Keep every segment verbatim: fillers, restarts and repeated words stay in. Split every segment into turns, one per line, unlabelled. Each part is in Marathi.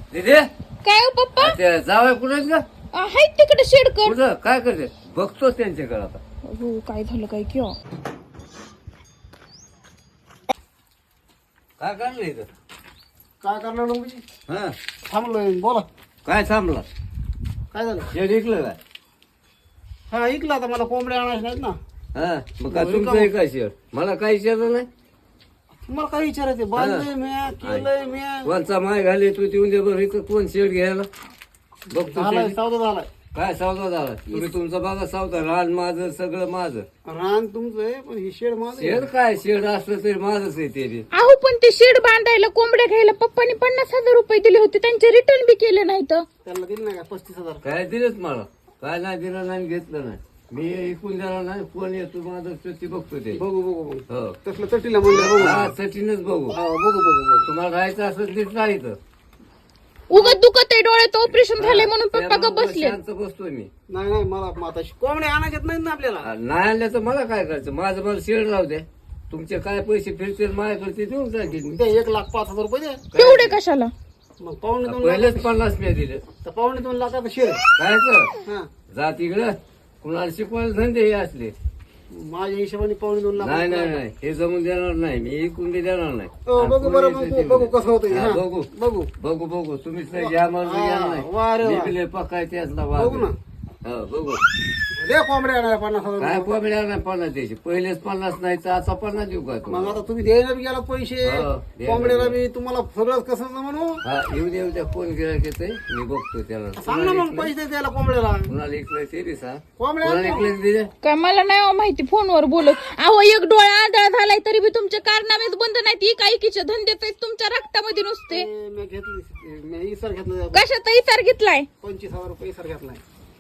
दिदे
काय हो पप्पा
ते जावं कुठे का
आहेत तिकडे शेडकर
कुठं काय करते बघतोच त्यांच्याकडे आता
हो काय झालं काय किंवा
काय काढलं इथं
काय करणार म्हणजे
हा
थांबलोय बोला
काय थांबला
काय झालं
शेड ऐकलं काय
हा ऐकलं आता मला कोंबड्या आणायच्या नाहीत ना
हा मग काय तुमचं आहे काय शेड मला काही विचारलं नाही
तुम्हाला काय विचारायचं बांधलंय म्या केलंय म्या
कोणचा माय घाले तू ते उद्या बरं इथं कोण शेड घ्यायला बघतो
झालाय
ते.
सौदा झालाय
काय सौदा झाला तुम्ही तुमचा बघा सौदा रान माझं सगळं माझं
रान तुमचं आहे पण ही शेड माझं आहे.
शेड काय शेड असलं तरी माझंच आहे ते बी.
अहो पण ते शेड बांधायला कोंबड्या घ्यायला पप्पानी पन्नास हजार रुपये दिले होते त्यांचे रिटर्न बी केले नाही तर
त्यांना दिलं नाही का पस्तीस हजार
काय दिलंच मला काय नाही दिलं नाही घेतलं नाही मी ऐकून देणार नाही फोन येतो माझं ते बघतो ते
बघू बघू बघू
हो
तसलं चटीला म्हणलं बघू
हा सचिनच बघू
हा, बघू बघू बघू
तुम्हाला राहायचं असेल तिथं राहायचं
उगत दुखत आहे डोळ्यात ऑपरेशन झाले म्हणून पप्पा ग बसले
शांत बसतोय मी
नाही नाही मला मग आता कोंबड्या आणायच्यात नाहीत ना आपल्याला
आ, नाही आणलं तर मला काय करायचं माझं मला शेड राहू द्या तुमचे काय पैसे फिरतील माझ्याकडे ते देऊन जातील मी
ते एक लाख पाच हजार रुपये द्या
तेवढे कशाला
मग पावणे दोन
पहिलेच
लाख
पन्नास मी दिले
तर पावणे दोन लाखाचं शेड
कायच
हा
जात इकडं कुणाला शिकवायला धंदे हे असले
माझ्या हिशोबाने पावणे दोन लाख
नाही नाही नाही हे जमून देणार नाही मी इकून बी देणार नाही
हो, बघू बरं
आणि
बघू बघू कसं होतं
हा, बघू
बघू
बघू बघू तुम्हीच नाही घ्या मला
हा,
घ्या
वा रे वा.
नाही निघले पकाय त्यातला वाद
बघू ना.
हो बघू
द्या कोंबड्या आणायला पन्नास हजार
काय
रुपये.
कोंबड्या नाही पन्नास द्यायचे पहिलेच पन्नास नाही तर आता पन्नास देऊ का
मग
तुम्हाला
आता तुम्ही द्यायला बी गेला पैसे
हो, द्यायला
कोंबड्याला बी तुम्हाला सगळंच कसं म्हणू
हा येऊ दे उद्या फोन केला की ते मी बघतो त्याला
सांग ना मग पैसे द्यायला कोंबड्याला
कुणाला इकलं ते बी सांग
कोंबड्या
कुणाला इकलं दिले
काय मला नाही हो माहिती फोनवर बोलत अहो एक डोळा आंधळा झालाय तरी बी तुमचे कारनामेच बंद नाहीत ही काही किचे धंदेच आहेत तुमच्या रक्तामध्ये नुसते
मी घेतली मी इसर घेतलं
कशाचा इसार घेतलाय
पंचवीस हजार रुपये इसर घेतलाय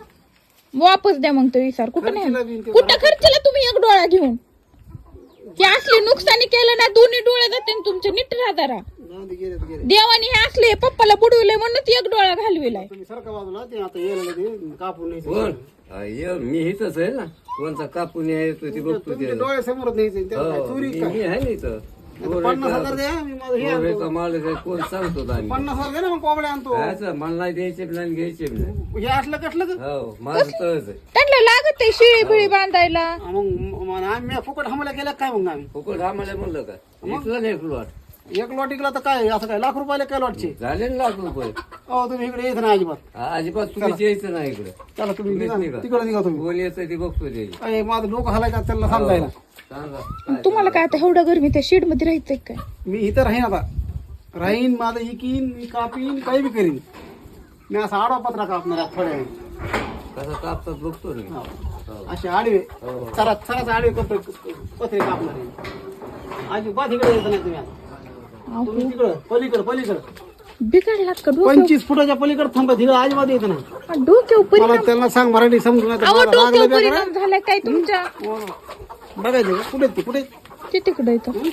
वापस द्या मग तो इसार कुठं
खर्चीला
नाही
बी ते
कुठं खर्चला तुम्ही एक डोळा घेऊन ते असले नुकसानी केलं ना दोन्ही डोळे जाते न तुमचे नीट राहता
जाऊ दे, गेले तर गेले
देवानी हे असले पप्पाला बुडविले म्हणून एक डोळा घालविलाय
तुम्ही सारखा बाजूला ते आता यायला ते कापून नाही
कोण हा, ये, मी इथंच आहे ना कोणता कापून येतो ते बघतो
तुमच्या
ते
डोळ्या समोरच नाही त्याला काय
हो,
चोरी
मी
काय
मी आहे ना इथं
आता पन्नास हजार द्या मी माझं हे
पोरं
आणतो.
का मालक आहे, कोण सांगतो आम्ही
पन्नास हजार द्या ना मग कोंबड्या आणतो
कायचं मला नाही द्यायचे बी नाही घ्यायचे बी नाही
हे असलं कसलं का?
हो माझं तळच आहे
त्यांना लागत आहे शिळी बिळी बांधायला
हा, मग मग आम्ही फुकट हमला केला काय मग आम्ही
फुकट आम्हाला म्हणलं का इकलं नाही एक लॉट
एक लॉट इकला तर काय असं काय लाख रुपयाला काय लॉटचे
झाले ना लाख रुपये
हो तुम्ही इकडे यायचं ना अजिबात
हा, अजिबात तुम्ही यायचं नाही इकडे
चला तुम्ही
तुम्हीच
निघा.
निघा.
तिकडे निघा तुम्ही
कोण येतं ते बघतो ते
अरे माझं डोकं हलाय का त्यांना समजायला
सांगा काय
तुम्हाला काय आता एवढं गरमी त्या शेड मध्ये राहायचंय काय
मी इथं राहीन आता राहीन माझं इकीन मी कापीन काही बी करीन मी असा आडवा पत्रा कापणार आहे थोड्या वेळ
कसं कापतात बघतो ना मी. हो.
असे आडवे
हो.
चरा चराच आडवे कपडे पत्रे कापणार आहे अजिबात इकडे यायचं नाही तुम्ही आता तुम्ही तिकडं पलीकडं पलीकडं
बिघडलात का डोक्यावर
पंचवीस फुटाच्या पलीकडे थांबा तिकडे अजिबात यायचं नाही
डोक्यावर
मला
परिणाम
त्यांना सांग मराठी समजून नाही तर
अहो
मला
डोक्यावर
लागलं बी
परिणाम झालाय काय तुमच्या
करा. बघायचं का? कुठे आहेत ते कुठे आहेत?
ते तिकडे येतं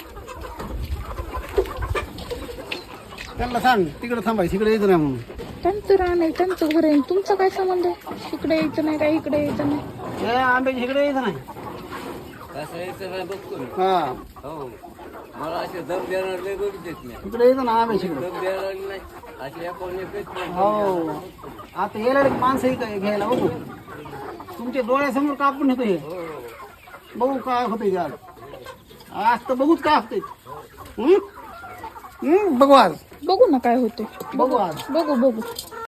त्यांना सांग तिकडे थांबायचं इकडे यायचं नाही म्हणून
त्यांचं राहण आहे त्यांचं घर आहे तुमचा काय संबंध आहे इकडे यायचं नाही काय इकडे यायचं नाही
हे आंब्याच्या इकडे यायचं नाही
कसं यायचं नाही बघतो मी
हा
हो मला असे दम देणार लय बघितलेत मी
इकडे यायचं ना आंब्याच्या इकडे
दम देणार नाही असे आपण एकच नाही.
हो आता यायला एक माणसं इथं घ्यायला बघू तुमच्या डोळ्यासमोर कापून येतो हे
हो.
बघू काय होतंय ते आज आज तर बघूच काय होतंय हं? हं? बघू आज
बघू ना काय होते
बघू आज
बघू बघू